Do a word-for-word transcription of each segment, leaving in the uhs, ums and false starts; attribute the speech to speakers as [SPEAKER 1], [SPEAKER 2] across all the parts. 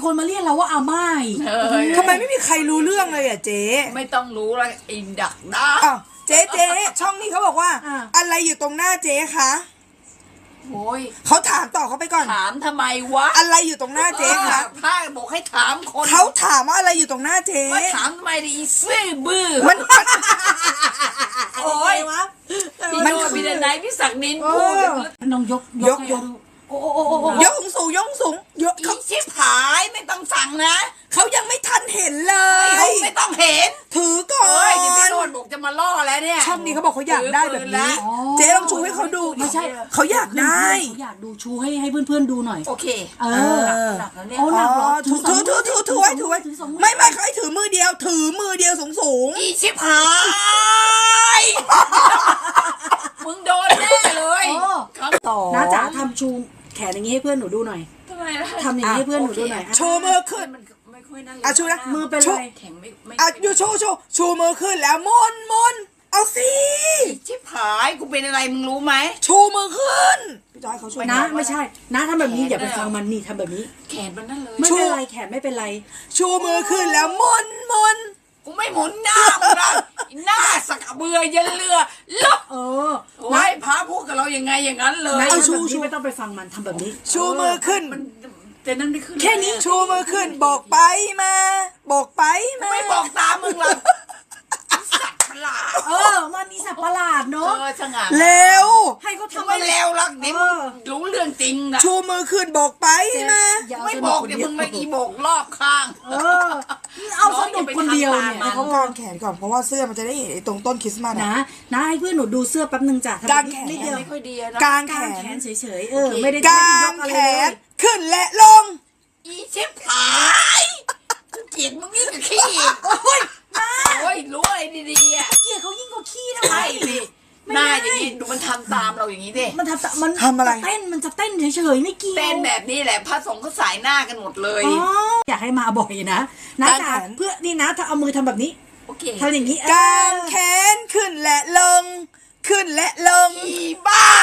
[SPEAKER 1] คนมาเรียกเราว่าอาม่าย
[SPEAKER 2] ทำไมไม่มีใครรู้เรื่องเลยอ่ะเจ๊
[SPEAKER 3] ไม่ต้องรู้แล้วอินดักด้า
[SPEAKER 2] เจ๊เจ๊ช่องนี้เขาบอกว่าอะไรอยู่ตรงหน้าเจ๊คะ
[SPEAKER 3] โอ้ย
[SPEAKER 2] เขาถามต่อเขาไปก่อน
[SPEAKER 3] ถามทำไมวะ
[SPEAKER 2] อะไรอยู่ตรงหน้าเจ๊คะ
[SPEAKER 3] ถ้าบอกให้ถามคน
[SPEAKER 2] เขาถามว่าอะไรอยู่ตรงหน้าเจ๊
[SPEAKER 3] ไม่ถามทำไมดิอีซื่อบื้อ
[SPEAKER 2] มัน
[SPEAKER 3] โอ้ยวะมันคือพี่ไหนพี่ศักดิ์นินพูด
[SPEAKER 1] น้องยก
[SPEAKER 2] ยกยกยกสูงยกสูงยก
[SPEAKER 3] เขาชิบหายไม่ต้องสั่งนะ
[SPEAKER 2] เขายังไม่ทันเห็นเลย
[SPEAKER 3] ไม่ต้องเห็น
[SPEAKER 2] ถือก่อน
[SPEAKER 3] เดี๋ยวพี่โนดบอกจะมาล่อแล้วเนี่ย
[SPEAKER 2] ช่องนี้เขาบอกเขาอยากได้แบบนี้เจ๊ลองชูให้เขาดู
[SPEAKER 1] ไม่ใช่
[SPEAKER 2] เขาอยากได้
[SPEAKER 1] เขาอยากดูชูให้ให้เพื่อนๆดูหน่อย
[SPEAKER 3] โอเค
[SPEAKER 1] เออ
[SPEAKER 3] หนักแล้วเนี่ย
[SPEAKER 1] โอ้หนักหรอ
[SPEAKER 2] ถือถือถือถือถือไว้ถือไว้ไม่ไม่เขาให้ถือมือเดียวถือมือเดียวสูงสูง
[SPEAKER 3] อีชิบหายมึงโดนแน่เลย
[SPEAKER 1] ต่อน้าจ๋าทำชูแขนอย่างนี้ให้เพื่อนหนูดูหน่อย
[SPEAKER 3] ทำไมล่ะ
[SPEAKER 1] ทำอย่างนี้ให้เพื่อนหนูดูหน่อย
[SPEAKER 2] ชูมือขึ้น
[SPEAKER 3] ไม่ค่อยนั่นเลย
[SPEAKER 2] อ่ะชูนะ
[SPEAKER 1] มือเป็นไร
[SPEAKER 3] แข็งไม่ไม่
[SPEAKER 2] อ่ะอยู่ชูชูชูมือขึ้นแล้วมนมนเอาสิ
[SPEAKER 3] ชิบหายกูเป็นอะไรมึงรู้ไหม
[SPEAKER 2] ชูมือขึ้นพี่จอยเขาช่วย
[SPEAKER 1] นะไม่ใช่นะทำแบบนี้อย่าไปฟังมันนี่ทำแบบนี้
[SPEAKER 3] แขนมันนั่นเลย
[SPEAKER 1] ไม่เป็นไรแขนไม่เป็นไร
[SPEAKER 2] ชูมือขึ้นแล้วมนมน
[SPEAKER 3] กูไม่หมุนหน้ามึงนะหน้าสักเบื่อยันเรือลบ
[SPEAKER 1] เออ
[SPEAKER 3] โอ้ยพาพูดกับเรายังไงอย่างนั้นเลย
[SPEAKER 1] เอาชูชูไม่ต้องไปฟังมันทำแบบนี้
[SPEAKER 2] ชูมือขึ้น
[SPEAKER 3] มันแต่นั่นไม่ขึ้น
[SPEAKER 1] แค่นี้
[SPEAKER 2] ชูมือขึ้นบอกไปมาบอกไปมา
[SPEAKER 3] ไม่บอกตามมึงหรอกสัตว์ประหลาด
[SPEAKER 1] เออมันนี่สัตว์ประหลาดเนาะ
[SPEAKER 3] เออช่างอ่ะ
[SPEAKER 2] เร็ว
[SPEAKER 1] ให้เขาทำ
[SPEAKER 3] ไม่เร็วหรอกเดี๋ยวรู้เรื่องจริงนะ
[SPEAKER 2] ชูมือขึ้นบอกไปมา
[SPEAKER 3] ไม่บอกเดี๋ยวมึงมาอีบอกรอบข้าง
[SPEAKER 1] เออเอาสนุกคนเดียวเนี่ย
[SPEAKER 2] เขากางแขนก่อนเพราะว่าเสื้อมันจะได้เห็นตรงต้นคริสต์มาส
[SPEAKER 1] นะนะให้เพื่อนหนูดูเสื้อแป๊บนึงจ้ะ
[SPEAKER 2] กางแขน
[SPEAKER 3] ไม่ค่อยดีนะ
[SPEAKER 2] กางแข
[SPEAKER 1] นเฉยๆเออไม่ได้
[SPEAKER 2] กางแขนขึ้นและลง
[SPEAKER 3] อีเช็บหายเกลียดมึงนี่กับขี้โอ้ยโอ้ยรู้อะไรดีๆอ่ะ
[SPEAKER 1] เกลียดเขายิ่งกว่าขี้ทำไม
[SPEAKER 3] สิหน้าอย่างนี้ดูมันทำตามเราอย่างนี้ดิ
[SPEAKER 1] มันทำมัน
[SPEAKER 2] ทำอะไร
[SPEAKER 1] เต้นมันจะเต้นเฉยๆไม่เกี่ยว
[SPEAKER 3] เต้นแบบนี้แหละพระสงฆ์เขาสายหน้ากันหมดเลย
[SPEAKER 1] อยากให้มาบ่อยนะนะจ๋าเพื่อนี่นะถ้าเอามือทำแบบนี้
[SPEAKER 3] โอเค
[SPEAKER 1] ทำอย่างนี้
[SPEAKER 2] กางแขนขึ้นและลงขึ้นและลง
[SPEAKER 3] อีบ้า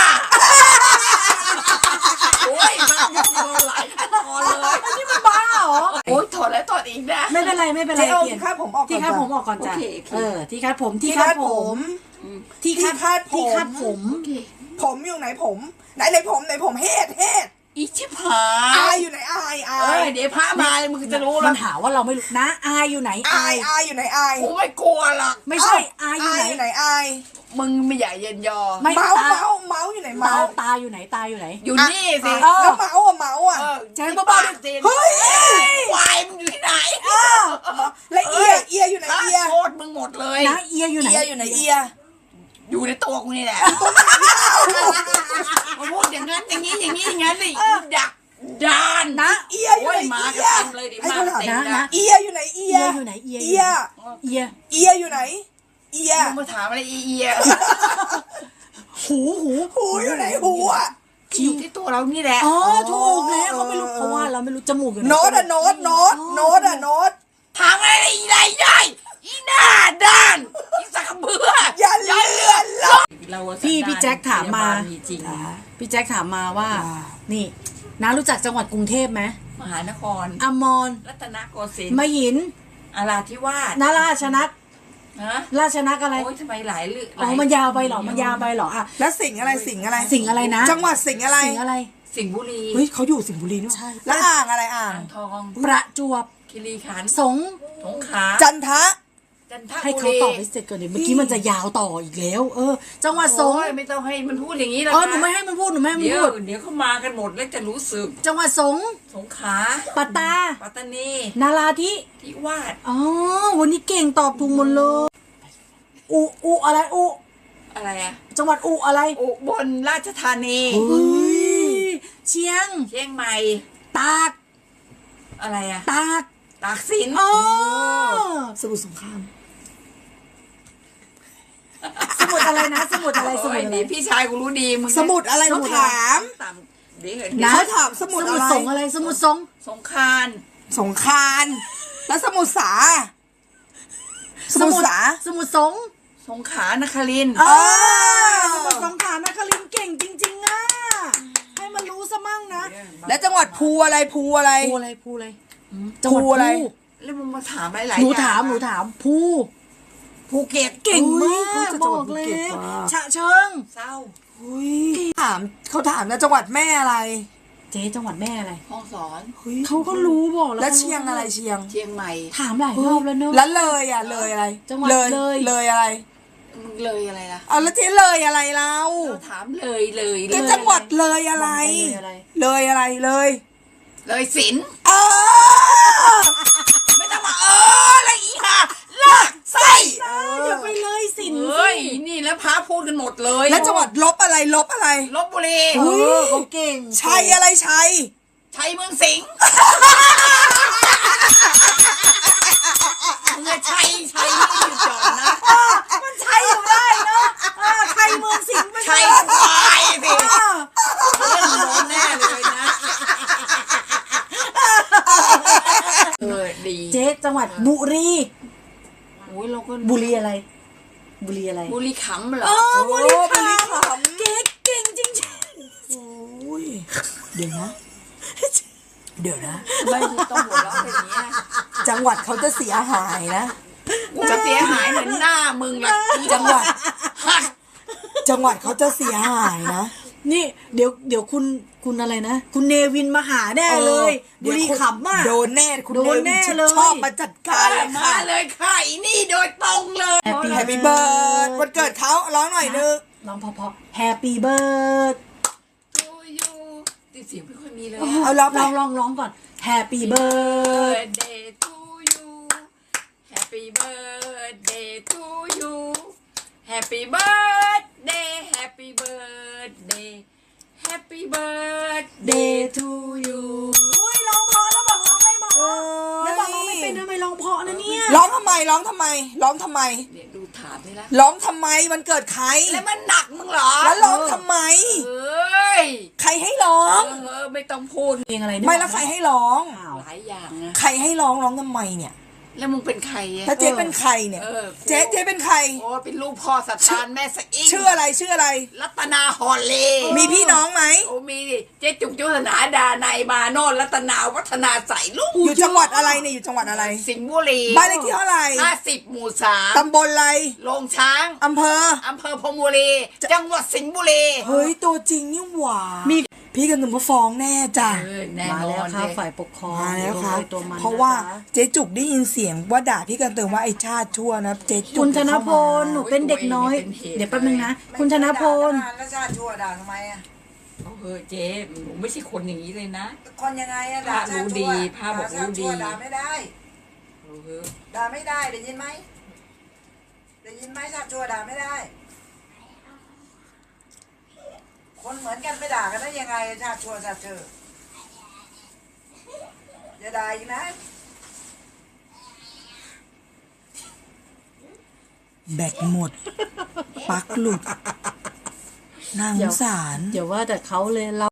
[SPEAKER 3] โอ้ยมันโดนหลายขั้นตอนเลย
[SPEAKER 1] นี่มันบ้าเหรอ
[SPEAKER 3] โอ้ยถอดแล้วถอดอีกนะ
[SPEAKER 1] ไม่เป็นไรไม่เป็นไร
[SPEAKER 2] เปลี่ยนที่คาดผมออก
[SPEAKER 1] ที่คาดผมออกก่อนจ้ะเออที่คาดผม
[SPEAKER 2] ที่คาดผม
[SPEAKER 1] ที่คาด
[SPEAKER 2] คาด
[SPEAKER 1] ที่คาดผม
[SPEAKER 2] ผมอยู่ไหนผมไหนไหนผมไหนผมเฮ็ดเฮ็ด
[SPEAKER 3] อีชิบหา
[SPEAKER 2] ยอายอยู่ไหนอายอาย
[SPEAKER 3] เดี๋ยวพระมามึงจะรู้แล้ว
[SPEAKER 1] มันหาว่าเราไม่รู้นะอายอยู่ไหน
[SPEAKER 2] อายอายอยู่ไหนอาย
[SPEAKER 3] กูไม่กลัวหรอก
[SPEAKER 1] ไม่ใช่อายอยู่
[SPEAKER 2] ไหนอาย
[SPEAKER 3] มึงไม่ใหญ่เย็นยอ
[SPEAKER 2] เมาส์เมาส์เมาส์อยู่ไหนเมาส์
[SPEAKER 1] ตาอยู่ไหนตาอยู่ไหน
[SPEAKER 3] อยู่นี่สิ
[SPEAKER 2] แล้วเมาส์อะเมาส์อะ
[SPEAKER 1] แจ้งบ้า
[SPEAKER 2] เฮ้ย
[SPEAKER 3] ควายมึงอยู่ที่ไหน
[SPEAKER 2] และเอียเอียอยู่ไหนเอีย
[SPEAKER 3] โคตรมึงหมดเลย
[SPEAKER 1] นะเอียอยู่ไหน
[SPEAKER 2] เอียอยู่ไหนเอีย
[SPEAKER 3] อยู่ในตัวกูนี่แหละมาพูดอย่างนั้นอย่างนี้อย่างนี้อย่างนั้นเลยดักดาน
[SPEAKER 2] นะเอียอยู่ไหน
[SPEAKER 3] มา
[SPEAKER 2] เอี
[SPEAKER 3] ยเลยดิมาเต็มนะ
[SPEAKER 2] เอียอยู่ไหนเอีย
[SPEAKER 1] อยู่ไหนเอีย
[SPEAKER 2] เอีย
[SPEAKER 1] เอีย
[SPEAKER 2] เอียอยู่ไหนเอีย
[SPEAKER 3] มึงมาถามอะไรเอีย
[SPEAKER 1] หูหู
[SPEAKER 2] หูอยู่ไหนหูอ่ะ
[SPEAKER 3] อยู่ที่ตัวเรานี่แหละ
[SPEAKER 1] อ๋อถูกแล้วเขาไม่รู้เพราะว่าเราไม่รู้จมูกอยู่ไหน
[SPEAKER 2] โน้ตอะโน้ตโน้ตโน้ตอะโน้ต
[SPEAKER 3] ถามอะไรอีไรได้อีหน้าด้านอีสักเบื่อ
[SPEAKER 2] อย่าเลื่อนลง
[SPEAKER 1] พี่พี่แจ็คถามมาพี่แจ็คถามมาว่านี่น้ารู้จักจังหวัดกรุงเทพไหม
[SPEAKER 3] มหานคร
[SPEAKER 1] อมร
[SPEAKER 3] รัตนโกสินทร์
[SPEAKER 1] มหิน
[SPEAKER 3] อาราธิวาส
[SPEAKER 1] นาราชนักราชนักอะไร
[SPEAKER 3] โอ้ยทำไมหลายเรื่อง
[SPEAKER 1] อ๋อมันยาวไปหรอมันยาวไปหรออ่ะ
[SPEAKER 2] แล้วสิ่งอะไรสิ่งอะไร
[SPEAKER 1] สิ่งอะไรนะ
[SPEAKER 2] จังหวัดสิ่งอะไร
[SPEAKER 1] สิ่งอะไร
[SPEAKER 3] สิงห์บุรี
[SPEAKER 2] เฮ้ยเขาอยู่สิงห์บุรีนี่ใช่แล้วอ่างอะไรอ่าง
[SPEAKER 3] ทอง
[SPEAKER 1] ประจวบ
[SPEAKER 3] คีรีขันธ์
[SPEAKER 1] สง
[SPEAKER 3] สงขลา
[SPEAKER 2] จันทะ
[SPEAKER 3] จันทบุรี
[SPEAKER 1] ให้เขาตอบให้เสร็จก่อนเดี๋ยวเมื่อกี้มันจะยาวต่ออีกแล้วเออจังหวัดสง
[SPEAKER 3] ไม่ต้องให้มันพูดอย่างนี้แล้ว
[SPEAKER 1] เออหนูไม่ให้มันพูดหนูไม่ให้มันพูด
[SPEAKER 3] เดี๋ยวเขามากันหมดแล้วจะรู้สึก
[SPEAKER 1] จังหวัดสง
[SPEAKER 3] สงขลา
[SPEAKER 1] ปัตตา
[SPEAKER 3] ปัตตานี
[SPEAKER 1] นาราธิ
[SPEAKER 3] ทิวาส
[SPEAKER 1] อ๋อวันนี้เก่งตอบถูกหมดเลยอุอุอะไรอุ
[SPEAKER 3] อะไรอะ
[SPEAKER 1] จังหวัดอุอะไร
[SPEAKER 3] อุบลราชธานี
[SPEAKER 1] เชียง
[SPEAKER 3] เชียงใหม่
[SPEAKER 1] ตาก
[SPEAKER 3] อะไรอะ
[SPEAKER 1] ตาก
[SPEAKER 3] ตากสิน
[SPEAKER 1] อ๋อ
[SPEAKER 2] สมุทรสงคราม
[SPEAKER 1] สมุดอะไรนะสมุดอะไรสมุดอะไร
[SPEAKER 3] พี่ชายกูรู้ดีมึง
[SPEAKER 2] สมุดอะไรเขาถาม
[SPEAKER 1] นะ
[SPEAKER 2] เขาถามสมุดอะไร
[SPEAKER 1] สงอะไรสมุดสง
[SPEAKER 3] สงคราน
[SPEAKER 2] สงครานแล้วสมุดสาสมุดสา
[SPEAKER 1] สมุดสง
[SPEAKER 3] สงขลานครินทร์
[SPEAKER 1] อ๋อสมุดสงขลานครินทร์เก่งจริงๆอ่ะให้มันรู้ซะมั่งนะ
[SPEAKER 2] แล้วจังหวัดภูอะไรภูอะไร
[SPEAKER 1] ภูอะไรภูอะไร
[SPEAKER 3] ภ
[SPEAKER 1] จังหวัด
[SPEAKER 2] ภูอะไร
[SPEAKER 1] ภู
[SPEAKER 3] แล้วมึงมาถามอะไรหลาย
[SPEAKER 1] หนู
[SPEAKER 3] อย่าง
[SPEAKER 1] ถามหนูถามภู
[SPEAKER 3] ภูเก็ต
[SPEAKER 1] เก่งมา
[SPEAKER 2] เฮ้ย
[SPEAKER 1] ก
[SPEAKER 2] เขาจะ
[SPEAKER 1] บ
[SPEAKER 2] จังห
[SPEAKER 1] อ
[SPEAKER 2] วัด
[SPEAKER 1] ก
[SPEAKER 2] ภู
[SPEAKER 1] เล
[SPEAKER 2] เก็ต
[SPEAKER 1] ย
[SPEAKER 2] ว่ะ
[SPEAKER 1] ฉะเชิง
[SPEAKER 3] เศร้า
[SPEAKER 2] อุ้ยถามเขาถามนะจังหวัดแม่อะไร
[SPEAKER 1] เจ๊จังหวัดแม่อะไร
[SPEAKER 3] ห้องสอน
[SPEAKER 2] ฮ้ย
[SPEAKER 1] เขาก็รู้บอกแล้ว
[SPEAKER 2] แล้วเชียงอะไรเชียง
[SPEAKER 3] เชียงใหม่
[SPEAKER 1] ถามหลายรอบแล้วเนอะ
[SPEAKER 2] แล้วเลยอ่ะเลยอะไร
[SPEAKER 1] จังหวัด
[SPEAKER 2] เลย
[SPEAKER 1] เลย
[SPEAKER 2] เลยอะไร
[SPEAKER 3] มึงเลยอะไรล่ะ
[SPEAKER 2] เอาแล้วเจ๊เลยอะไรเรา
[SPEAKER 3] เราถามเลยเลย
[SPEAKER 2] ก็
[SPEAKER 3] เลย
[SPEAKER 2] จังหวัดเลยอะไร
[SPEAKER 1] เลยอะไร
[SPEAKER 2] เลยอะไรเลย
[SPEAKER 3] เลยศิลป์
[SPEAKER 2] เออ
[SPEAKER 3] ไม่ต้องมาเอออะไรอีกค่ะลากไส้
[SPEAKER 1] อย่าไปเลยสิน
[SPEAKER 3] เฮ้ยนี่แล้วพาพูดกันหมดเลย
[SPEAKER 2] แล้วจังหวัดลบอะไรลบอะไร
[SPEAKER 3] ลบบุรี
[SPEAKER 1] เออเขาเก่ง
[SPEAKER 2] ชัยอะไรชัย
[SPEAKER 3] ชัยเมืองสิงห์มึงอะชัยชัยนี่อยู่จอดนะ
[SPEAKER 1] มันใช่อยู่ได้เนาะอ่าใครเมืองสิงห์ไม่
[SPEAKER 3] ชัยควายสิ
[SPEAKER 1] อ่า
[SPEAKER 3] เล่นโดนแน่เลยนะเออดี
[SPEAKER 1] เจ๊จังหวัดบุรี
[SPEAKER 3] โอ้ยเราก็
[SPEAKER 1] บุรีอะไร บุรีอะไร
[SPEAKER 3] บุรีขำเหรอ
[SPEAKER 1] เออบุรี
[SPEAKER 2] โอ้บุรี
[SPEAKER 1] ข
[SPEAKER 2] ขำ
[SPEAKER 1] ำเก๊กเก่งจริง
[SPEAKER 2] โอ้ยเดี๋ยวนะ เดี๋ยวนะ
[SPEAKER 3] ไม่ต้องหัวเราะอย่างนี้ย
[SPEAKER 2] จังหวัดเขาจะเสียหายนะ
[SPEAKER 3] กูจะเสียหายเหมือนหน้ามึงละ
[SPEAKER 2] จังหวัด
[SPEAKER 3] หัก
[SPEAKER 2] จังหวัดเขาจะเสียหายนะ
[SPEAKER 1] ๆนี่เดี๋ยวเดี๋ยวคุณคุณอะไรนะ คุณเนวินมาหาแน่เลย
[SPEAKER 2] เดี๋
[SPEAKER 1] บุ
[SPEAKER 2] ยว
[SPEAKER 1] รี
[SPEAKER 2] คุณ
[SPEAKER 1] ขำอ่ะ
[SPEAKER 2] โดนแน่คุณ
[SPEAKER 1] โดนแน่
[SPEAKER 2] วิ
[SPEAKER 1] เลย
[SPEAKER 2] ชอบมาจัดการเลย
[SPEAKER 3] มา
[SPEAKER 2] ค่ะ
[SPEAKER 3] เลยค่ะอีนี่โดยตรงเลย
[SPEAKER 1] Happy
[SPEAKER 2] แฮปปี้เบิร์ดวันเกิดเขาร้องหน่อยนึง
[SPEAKER 1] ร้องเพราะๆ Happy Bird
[SPEAKER 3] ทูยูติดเสียงไม่ค่อยมีเลย
[SPEAKER 2] เอาร้อง
[SPEAKER 1] ล
[SPEAKER 2] ไป
[SPEAKER 1] องลองร้องก่อน Happy Bird
[SPEAKER 3] birthday to you Happy birthday to you Happy birthday Happy birthday Happy birthday
[SPEAKER 1] Day to you อุ้ยร้องเพราะแล้วบอกร้องไม่เพราะแล้วบอกร้องไม่เป็นทำไมร้องเพราะนะเนี่ย
[SPEAKER 2] ร้องทำไมร้องทำไม ร้องทำไม
[SPEAKER 3] เนี่ยดูถามนี่ละ
[SPEAKER 2] ร้องทำไมวันเกิดใคร
[SPEAKER 3] แล้วมันหนักมึงเหรอ
[SPEAKER 2] แล้วร้องทำไม
[SPEAKER 3] เอ้ย
[SPEAKER 2] ใครให้ร้อง
[SPEAKER 3] เออไม่ต้องพูด
[SPEAKER 1] เพลงอะไรเนี่ย
[SPEAKER 2] ไม่แล้วใครให้ร้อง
[SPEAKER 1] อ้าว
[SPEAKER 3] หลายอย่างนะ
[SPEAKER 2] ใครให้ร้องร้องทำไมเนี่ย
[SPEAKER 3] แล้วมึงเป็นใครอะ
[SPEAKER 2] ถ้าเจ๊เป็นใครเนี่ย
[SPEAKER 3] เออ
[SPEAKER 2] เจ๊เจ๊เป็นใคร
[SPEAKER 3] โอ้เป็นลูกพ่อสัตว์านแม่สะอิ่ง
[SPEAKER 2] ชื่ออะไรชื่ออะไร
[SPEAKER 3] รัตนาฮอลเล
[SPEAKER 2] มีพี่น้องไหม
[SPEAKER 3] โอ้มีดิเจ๊จุกจุธนาดานายมาโนนรัตนาวัฒนาใสลูก
[SPEAKER 2] อยู่จังหวัดอะไรเนี่ยอยู่จังหวัดอะไร
[SPEAKER 3] สิงห์บุรี
[SPEAKER 2] บ้านเลขที่เท่าไหร่
[SPEAKER 3] ห้าสิบหมู่สาม
[SPEAKER 2] ตำบลอะไร
[SPEAKER 3] โรงช้าง
[SPEAKER 2] อำเภอ
[SPEAKER 3] อำเภอพรหมบุรี จังหวัดสิงห์บุรี
[SPEAKER 2] เฮ้ยตัวจริงนี่หว่ามีพี่กันหนุ่มมาฟ้องแน่จ้ะ
[SPEAKER 3] เออแน่
[SPEAKER 1] มาน แล้
[SPEAKER 3] อ
[SPEAKER 1] วนค่ะ
[SPEAKER 3] เลย
[SPEAKER 1] ฝ่ายปกครอง
[SPEAKER 2] มาแล้วครับ
[SPEAKER 1] ตัวใตัวมัน
[SPEAKER 2] เพราะว่า
[SPEAKER 1] นะคะ
[SPEAKER 2] เจ๊จุกได้ยินเสียงว่าด่าพี่กันเติมว่าไอ้ชาติชั่วนะเจ๊จุก
[SPEAKER 1] คุณธน
[SPEAKER 2] เข้า
[SPEAKER 1] พ
[SPEAKER 2] มา
[SPEAKER 1] ลหนูเป็นเด็กน้อย เดี๋ยวแป๊บนึงนะ คุณธนพล
[SPEAKER 4] แล้วชาติชั่วด่าทำไมอ่ะ
[SPEAKER 3] เอาเฮ้ยเจ๊หนูไม่ใช่คนอย่างนี้เลยนะ
[SPEAKER 4] คนยังไงอ่ะด่า
[SPEAKER 3] พระรู้
[SPEAKER 4] ชาติ
[SPEAKER 3] ดี
[SPEAKER 4] ชั่ว
[SPEAKER 3] พระบอกรู้ดี
[SPEAKER 4] ด่าชาติชั่วด่าไม่ได้
[SPEAKER 3] เอาเฮ้ย
[SPEAKER 4] ด่าไม่ได้ได้ยินไหมได้ยินไหมชาติชั่วด่าไม่ได้ คนเหมือนกันไม่ด่ากันได้ยังไงชาติชั่วชาติเชื่ออย่าด่าอีกนะ
[SPEAKER 2] แบตหมดปลั๊กหลุดนางสงสาร
[SPEAKER 1] อย่าว่าแต่เขาเลยเรา